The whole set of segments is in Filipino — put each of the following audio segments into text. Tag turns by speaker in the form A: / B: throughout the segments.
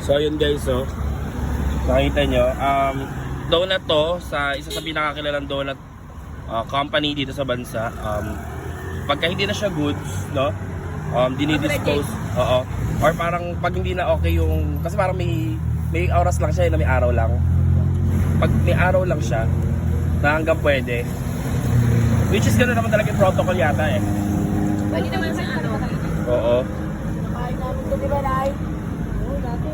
A: So ayun guys, so nakita nyo, donut to sa isa sa pinakakilalang donut company dito sa bansa. Pagka hindi na siya goods, no? Dinidispose. Oo. Or parang pag hindi na okay yung, kasi parang may oras lang siya, na may araw lang. Pag may araw lang siya, na hanggang pwede. Which is gano'n naman talaga yung protocol yata eh.
B: Pwede naman sa ano.
A: Oo.
B: Nakain namin ito, di ba, Lai? Oo, dati.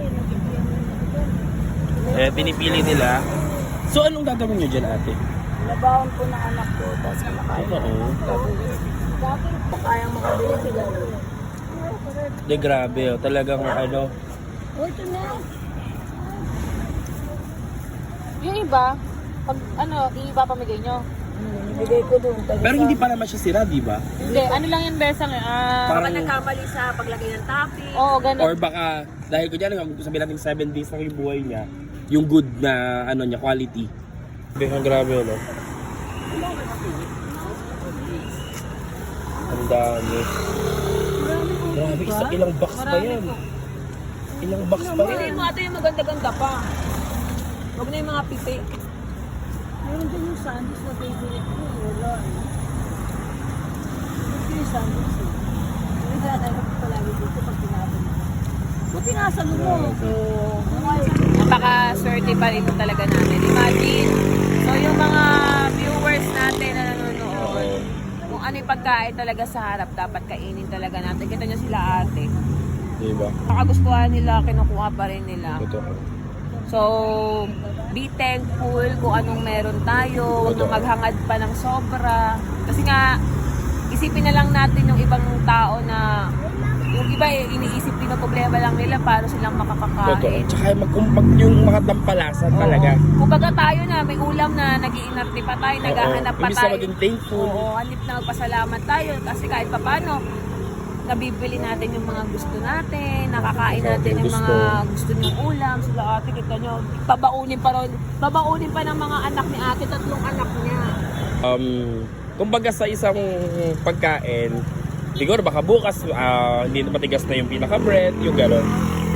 A: Pinipili nila. So anong gagawin nyo dyan, ate?
B: Labawan po ng anak ko, tapos kumakain.
A: Oo.
B: Dati, kayang makabili sila.
A: De grabe, oh. Talagang ano.
B: Oh, ito na. Yung iba, pag ano, iba pamigay nyo. Bigay ko doon.
A: Pero hindi pa naman siya sira, di ba?
B: Hindi, ano lang yung besang
A: Parang-
B: nagkamali sa paglagay ng topping. Oo, ganun.
A: Or baka, dahil ko dyan, sabihin natin 7 days na yung buhay niya, yung good na, ano niya, quality. Grabe, no? Ang dami. Grabe, ilang box pa yan? Ilang box pa
B: Pili
A: yan?
B: mo ito yung maganda-ganda pa. Huwag na yung mga pipi. Meron din yung sandwich na favorite ko. Wala. Ito yung sandwich eh. Hindi na tayo palagi dito pag tinapon mo. Buti nasa mo. So, napaka-swerte pa rin talaga namin. Imagine, so yung mga viewers natin na nanonood, kung ano yung pagkain talaga sa harap, dapat kainin talaga natin. Kita nyo sila ate.
A: Diba?
B: Nakagustuhan nila, kinukuha pa rin nila.
A: Totoo.
B: So, be thankful kung anong meron tayo. Huwag na maghangad pa ng sobra. Kasi nga, isipin na lang natin yung ibang tao na yung iba iniisip din na problema lang nila para silang
A: Totoo.
B: makakakain.
A: Tsaka yung mga dampalasan talaga.
B: Kumbaga tayo na, may ulam na nag-iinarte pa tayo, naghahanap pa
A: Imbis na
B: tayo.
A: maging thankful.
B: Oo, hanip na magpasalamat tayo kasi kahit pa paano, nabibili natin yung mga gusto natin, nakakain natin yung mga gusto niyong ulam. Sila ate, kita nyo, babaunin pa ng mga anak ni ate, 3 anak niya.
A: Kumbaga sa isang pagkain, siguro baka bukas hindi na matigas na yung pinaka-bread, yung gano'n.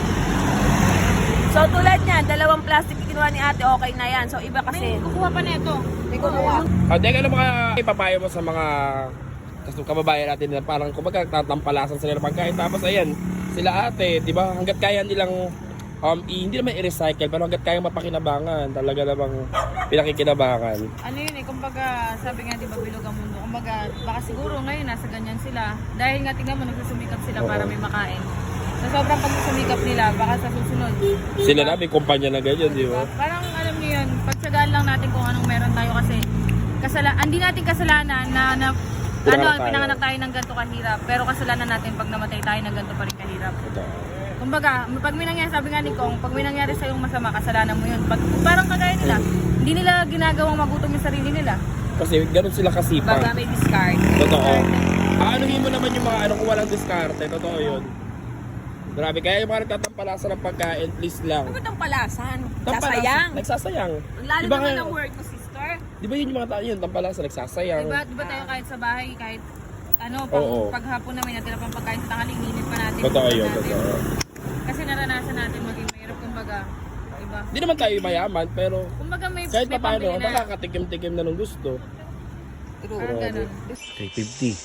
B: So tulad niyan, 2 plastic kinuha ni ate, okay na yan. So iba kasi, kukuha pa na ito. May kukuha.
A: Teka lang mga ipapayo mo sa mga kababayan natin na parang kumbaga tatampalasan sila ng pagkain. Tapos ayan, sila ate, di ba, hanggat kaya nilang hindi naman i-recycle, pero hanggat kaya mapakinabangan, talaga namang pinakikinabangan.
B: Ano yun eh, kumbaga sabi nga di ba bilog ang mundo, kumbaga baka siguro ngayon nasa ganyan sila. Dahil nga tingnan mo, nagsusumikap sila para may makain. Sa sobrang pagsusumikap nila, baka sa susunod.
A: Sila na, may kumpanya na ganyan, di ba?
B: Parang alam niyo yun, pagtsagaan lang natin kung anong meron tayo kasi hindi natin kasalanan na pinanganak tayo ng ganito kahirap, pero kasalanan natin pag namatay tayo ng ganito pa rin kahirap. Kumbaga, pag may nangyari, sabi nga ni Kong, pag may nangyari sa yung masama, kasalanan mo yun. Parang kagaya nila, hindi nila ginagawang magutom yung sarili nila.
A: Kasi gano'n sila kasipag.
B: Baga may discard.
A: Totoo. Anuhin mo naman yung mga kung walang diskarte, totoo yun. Grabe, kaya yung mga nagtatampalasan ng pagkain, please lang.
B: Ano ba tampalasan?
A: Tampalasan, nagsasayang.
B: Lalo
A: Diba
B: naman
A: nga-
B: ng work ko, sister.
A: Di ba yun yung mga tao yun, tampalasan, nagsasayang.
B: Diba tayo kahit sa bahay, kahit
A: Oo.
B: paghapon namin natira pang pagkain sa tanghali, init pa natin.
A: Totoo
B: init
A: yun,
B: natin.
A: totoo.
B: Kasi naranasan natin maging mahirap, kumbaga, diba?
A: Hindi naman tayo mayaman, pero
B: Kumbaga may
A: kahit pa paano,
B: pambili na.
A: nakakatikim-tikim na nung gusto.
B: Parang ganun.
A: 350.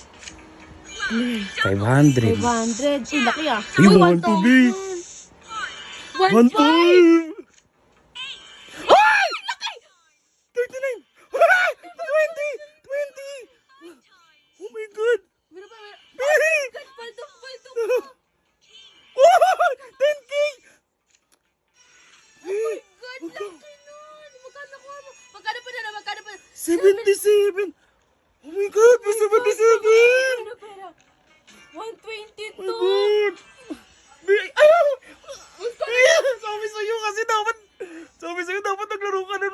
A: 500.
B: 500. Uy, laki ah.
A: You want to be? 1.5! Ay! Laki! 39! 20! 20! Oh my God! Baby!
B: Palto.
A: Oh! 10K!
B: God, laki nun. Magkano ko mo? Magkano pa na?
A: 77! Oh my God! May 77!
B: Pera. 122.
A: Oh my God! Ayaw! Sabi sa'yo kasi dapat naglaro ka na